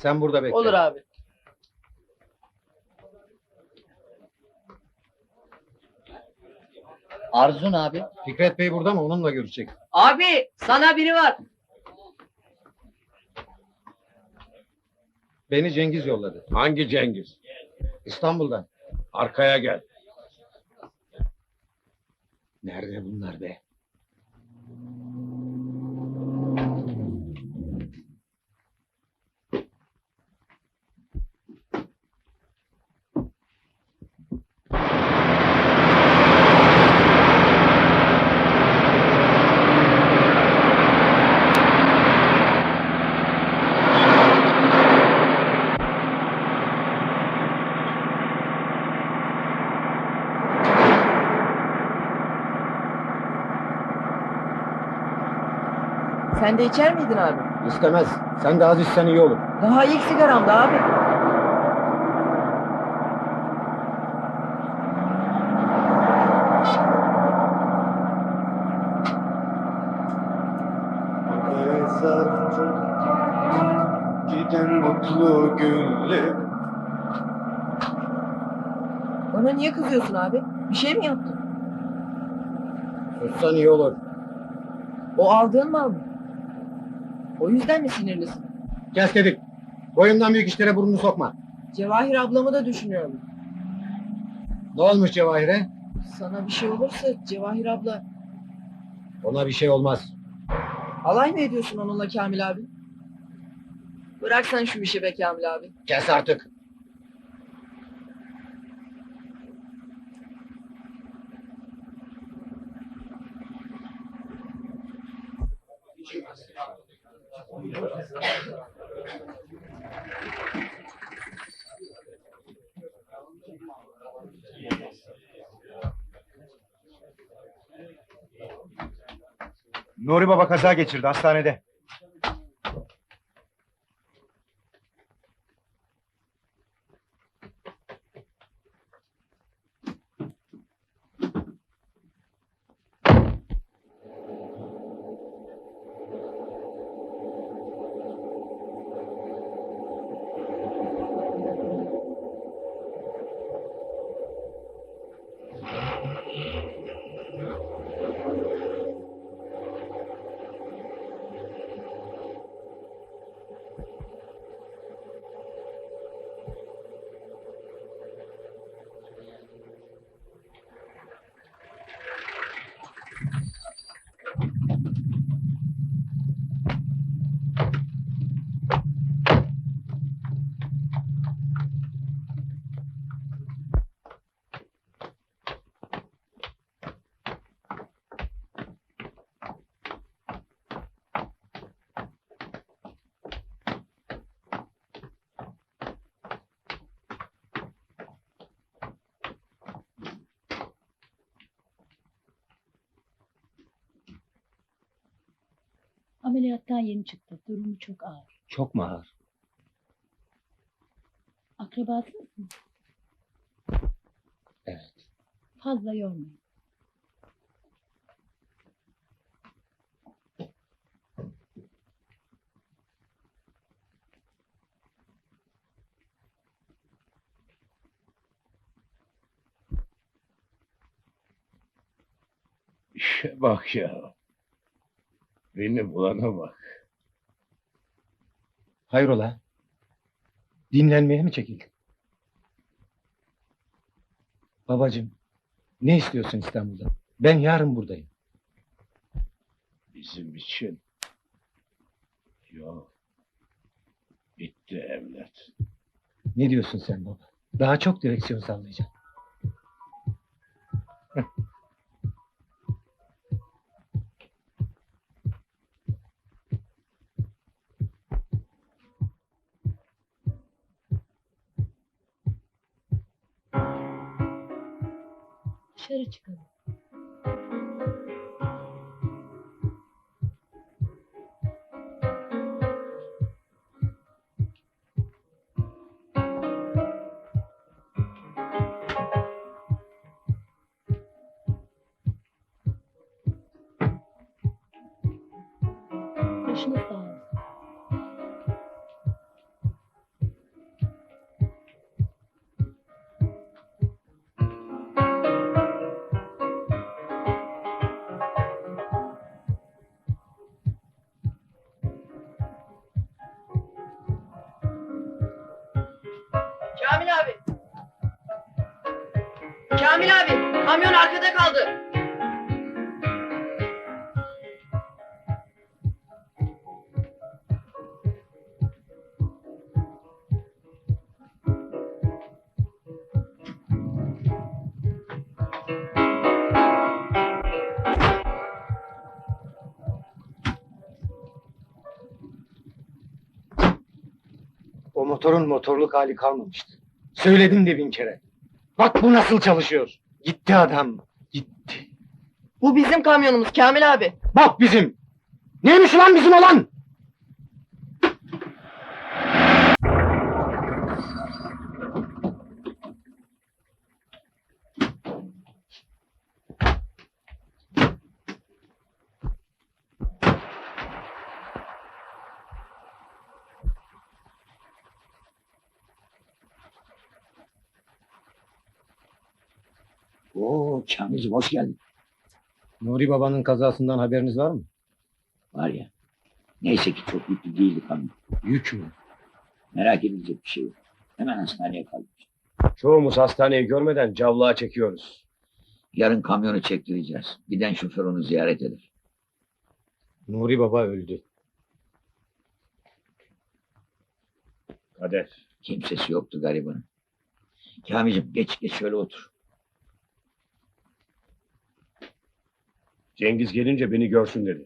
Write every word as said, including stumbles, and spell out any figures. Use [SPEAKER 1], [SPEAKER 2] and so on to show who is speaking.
[SPEAKER 1] Sen burada bekle.
[SPEAKER 2] Olur abi.
[SPEAKER 3] Arzun abi.
[SPEAKER 1] Fikret Bey burada mı? Onunla görüşecek.
[SPEAKER 2] Abi sana biri var.
[SPEAKER 1] Beni Cengiz yolladı.
[SPEAKER 4] Hangi Cengiz?
[SPEAKER 1] İstanbul'dan.
[SPEAKER 4] Arkaya gel.
[SPEAKER 1] Nerede bunlar be?
[SPEAKER 2] Sen de içer miydin abi?
[SPEAKER 1] İstemez. Sen de az içsen iyi olur.
[SPEAKER 2] Daha ilk sigaramda abi.
[SPEAKER 5] Giden mutlu günler.
[SPEAKER 2] Bana niye kızıyorsun abi? Bir şey mi yaptın?
[SPEAKER 1] Sussan iyi olur.
[SPEAKER 2] O aldığın mal mı? O yüzden mi sinirlisin?
[SPEAKER 1] Kes dedik. Boyumdan büyük işlere burnunu sokma.
[SPEAKER 2] Cevahir ablamı da düşünüyorum.
[SPEAKER 1] Ne olmuş Cevahir'e?
[SPEAKER 2] Sana bir şey olursa Cevahir abla...
[SPEAKER 1] Ona bir şey olmaz.
[SPEAKER 2] Alay mı ediyorsun onunla Kamil abi? Bırak sen şu işi be Kamil abi.
[SPEAKER 1] Kes artık.
[SPEAKER 6] Nuri Baba kaza geçirdi hastanede.
[SPEAKER 7] Ameliyattan yeni çıktı. Durumu çok ağır.
[SPEAKER 1] Çok mu ağır?
[SPEAKER 7] Akrabası mısın?
[SPEAKER 1] Evet.
[SPEAKER 7] Fazla yormayın.
[SPEAKER 4] İşe bak ya. Beni bulana bak.
[SPEAKER 1] Hayrola? Dinlenmeye mi çekildin? Babacığım, ne istiyorsun İstanbul'dan? Ben yarın buradayım.
[SPEAKER 4] Bizim için. Yok. Bitti evlat.
[SPEAKER 1] Ne diyorsun sen baba? Daha çok direksiyon sallayacaksın.
[SPEAKER 7] Dışarı çıkalım. Başınız sağ olsun.
[SPEAKER 2] Kamyon arkada kaldı.
[SPEAKER 1] O motorun motorluk hali kalmamıştı. Söyledim de bin kere. Bak bu nasıl çalışıyor. Gitti adam. Gitti.
[SPEAKER 2] Bu bizim kamyonumuz Kamil abi.
[SPEAKER 1] Bak bizim. Neymiş ulan bizim olan?
[SPEAKER 3] Oo Kamil'cim hoş geldin.
[SPEAKER 1] Nuri babanın kazasından haberiniz var mı?
[SPEAKER 3] Var ya. Neyse ki çok yüklü değildi kamyon.
[SPEAKER 1] Yük mü?
[SPEAKER 3] Merak edilecek bir şey yok. Hemen hastaneye kalmış.
[SPEAKER 4] Çoğumuz hastaneyi görmeden cavlağa çekiyoruz.
[SPEAKER 3] Yarın kamyonu çektireceğiz. Giden şoför onu ziyaret eder.
[SPEAKER 1] Nuri baba öldü.
[SPEAKER 4] Kader.
[SPEAKER 3] Kimsesi yoktu garibanın. Kamil'cim geç geç şöyle otur.
[SPEAKER 4] Cengiz gelince beni görsün dedi.